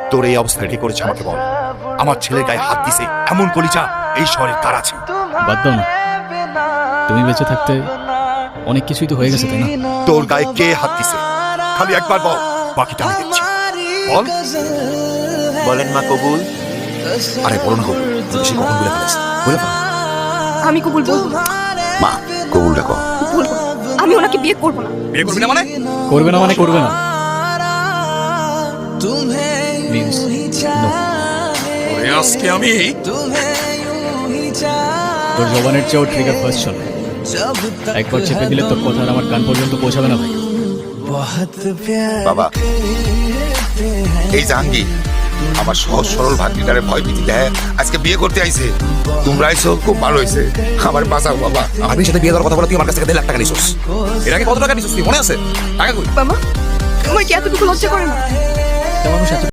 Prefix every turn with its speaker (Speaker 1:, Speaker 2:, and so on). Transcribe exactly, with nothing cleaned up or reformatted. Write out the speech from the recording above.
Speaker 1: তোর এই অবস্থা রেডি করেছে আমাকে বল। আমার ছেলের গায়ে হাত দিছে এমন কলিজা এই শহরে কার আছে?
Speaker 2: বাদ দাও না, তুমি বেঁচে থাকতে অনেক কিছুই তো হয়ে গেছে, তাই না?
Speaker 1: তোর গায়ে কে হাত দিছে খালি একবার বল, বাকিটা আমি দেখছি। বল।
Speaker 3: বলেন মা কবুল।
Speaker 1: আরে বলো না কবুল, বেশি কখন বলে ফেলেছ, বলে ফেল।
Speaker 4: আমি কবুল বলবো না।
Speaker 1: মা কবুল ডাকো।
Speaker 4: বলবো না। আমি ওনাকে বিয়ে করবো না।
Speaker 1: বিয়ে করবি না মানে?
Speaker 2: করবে না মানে করবে না Means no.
Speaker 1: ওরে আজকে আমি
Speaker 2: তোর জবানের চেয়েও ট্রিগার ফার্স্ট চলে। একবার চেপে দিলে তোর কথা আর আমার কান পর্যন্ত পৌঁছাবে না ভাই।
Speaker 1: বাবা, এই জাহাঙ্গীর আমার সহজ সরল ভাগ্নিটারে ভয় ভীতি দেয়, আজকে বিয়ে করতে আইছে। তোমরা আইছো খুব ভালো হয়েছে, আমার বাঁচাও বাবা। আমি সাথে বিয়ে দেওয়ার কথা বলে তুই আমার কাছ থেকে দেড় লাখ টাকা নিছিস। এর আগে কত টাকা নিছিস তুই মনে আছে? টাকা কই?
Speaker 4: বাবা, আমার কি এতটুকু লজ্জা করে না?
Speaker 2: তা মানুষ এত